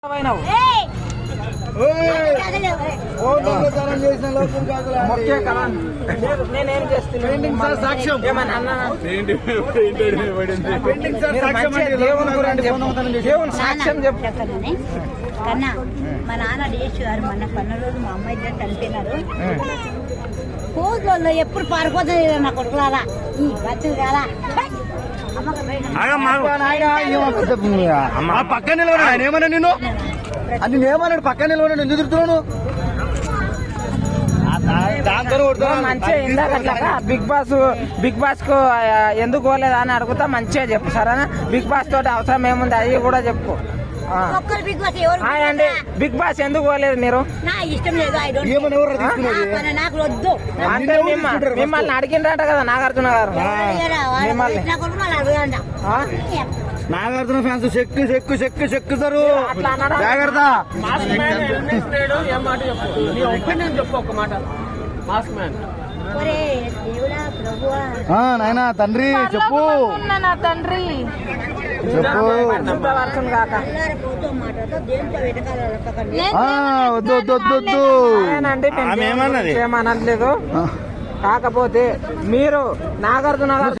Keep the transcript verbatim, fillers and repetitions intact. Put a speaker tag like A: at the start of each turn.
A: నేనేం చేస్తున్నాను సాక్ష్యం సాక్ష్యం
B: చెప్తానని కన్నా మా నాన్న డేష్ గారు మొన్న పన్న రోజు మా అమ్మాయి ఇద్దరు చనిపోయినారు. కోజుల్లో ఎప్పుడు పారిపోతుంది నా కొడుకులారా ఈ బతులు కాదా
C: పక్కన నిలవడు ఆయన ఏమన్నా నిన్ను అది నేమన్నాడు పక్కన నిలవడు ఎందుకు తిరుగుతున్నాను
A: మంచిగా ఇందాక బిగ్ బాస్ బిగ్ బాస్ కు ఎందుకు పోలేదా అని అడుగుతా మంచిగా చెప్పు సరేనా. బిగ్ బాస్ తోటి అవసరం ఏముంది అది కూడా చెప్పు. అండి బిగ్ బాస్ ఎందుకు పోలేదు మీరు? అంటే మిమ్మల్ని అడిగిండ్రంట కదా నాగార్జున గారు.
C: నాగార్జున ఫ్యాన్స్ చెక్కు చెక్కు చెక్కు చెక్కుతారు జాగ్రత్త. నాయనా తండ్రి చెప్పు
A: తండ్రి
C: చెప్పు వద్దు వద్దు వద్దు వద్దు
A: ఏమనట్లేదు. కాకపోతే మీరు నాగార్జున గారు